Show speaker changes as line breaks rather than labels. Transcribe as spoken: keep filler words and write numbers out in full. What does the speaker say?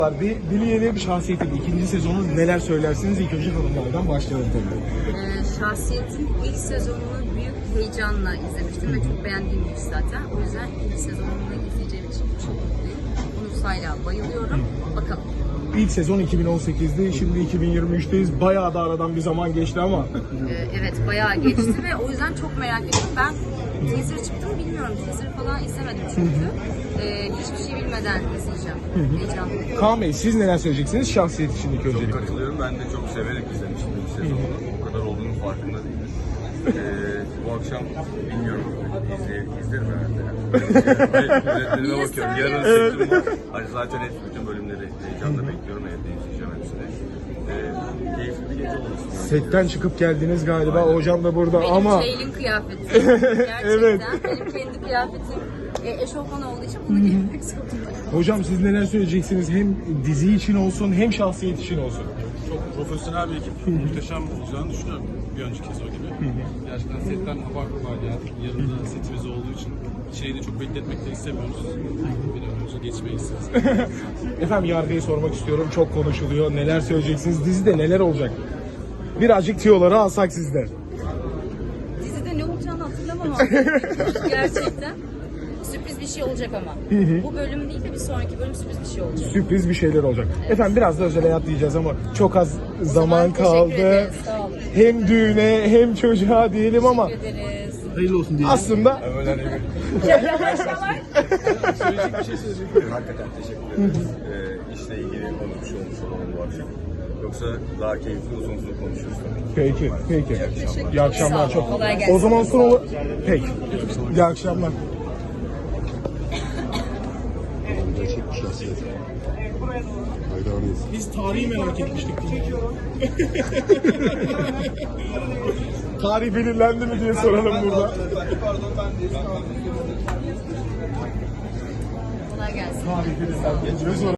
Bir Billy'nin şahsiyetinin ikinci sezonu neler söylersiniz? İlk önce hanımlardan başlayalım tabii.
Ee, şahsiyetin ilk sezonunu büyük heyecanla izlemiştim ve çok beğendiğim bir iş zaten. O yüzden ilk sezonunu izleyeceğim için çok mutluyum. Yunus hala bayılıyorum. Bakalım.
İlk sezon iki bin on sekiz'de, şimdi iki bin yirmi üç'teyiz. Bayağı da aradan bir zaman geçti ama.
Ee, evet bayağı geçti ve o yüzden çok merak ediyorum. Ben teaser çıktı mı bilmiyorum. Teaser falan izlemedim çünkü. Ee, hiçbir şey bilmeden izleyeceğim. Heyecanlıyım.
Kaan Bey, siz neler söyleyeceksiniz şahsiyet için ilk
Çok
öncelikle?
katılıyorum. Ben de çok severek izlemiştim ilk sezonu. O kadar olduğunun farkında değilim. Ee, bu akşam bilmiyorum. İzle, izlerim herhalde. Üretmenime bakıyorum. Yarın seçim var. Hani zaten hep bütün bölümleri heyecanla bekliyorum. Evde izleyeceğim hepsini. Ee, keyifli bir gece olsun.
Setten çıkıp geldiniz galiba. Hocam da burada
Benim
ama...
Ceylin kıyafeti. Gerçekten
Evet.
benim kendi kıyafetim e, eşofman olduğu için bunu giymek zorundayım.
Hocam siz neler söyleyeceksiniz? Hem dizi için olsun hem şahsiyet için olsun.
Çok profesyonel bir ekip, muhteşem olacağını düşünüyorum bir önceki sezon gibi. Gerçekten setten apar topar geldik. Yarın da setimiz olduğu için şeyi de çok bekletmek de istemiyoruz. Bir an önce geçmeyi istiyoruz.
Efendim Yargı'yı sormak istiyorum. Çok konuşuluyor. Neler söyleyeceksiniz? Dizide neler olacak? Birazcık tiyoları alsak sizden.
Dizide ne olacağını hatırlamam ama gerçekten sürpriz bir şey olacak ama. Bu bölüm değil de bir sonraki bölüm sürpriz bir şey olacak.
Sürpriz bir şeyler olacak. Efendim biraz da özel hayat diyeceğiz ama çok az zaman
zaman teşekkür
kaldı.
ederiz, sağ olun.
Hem düğüne hem çocuğa diyelim ama
Teşekkür ederiz.
Hayırlı olsun diye.
aslında
Öyle değil mi?
Söyleyecek bir şey söyleyecek.
Hakikaten teşekkür ederiz. Ee, işle ilgili konuşmuş olmuş olalım bu akşam. Yoksa daha keyifli uzun uzun konuşuruz tabii.
peki peki. İyi akşamlar
Sağ olun,
çok.
kolay gelsin.
O zaman sonra peki. İyi akşamlar.
Gerçek bir şahsiyet. Hayranıyız.
Biz tarihi merak etmiştik. Tarih belirlendi mi diye soralım burada.
Kolay gelsin.
Tarih belirlendi.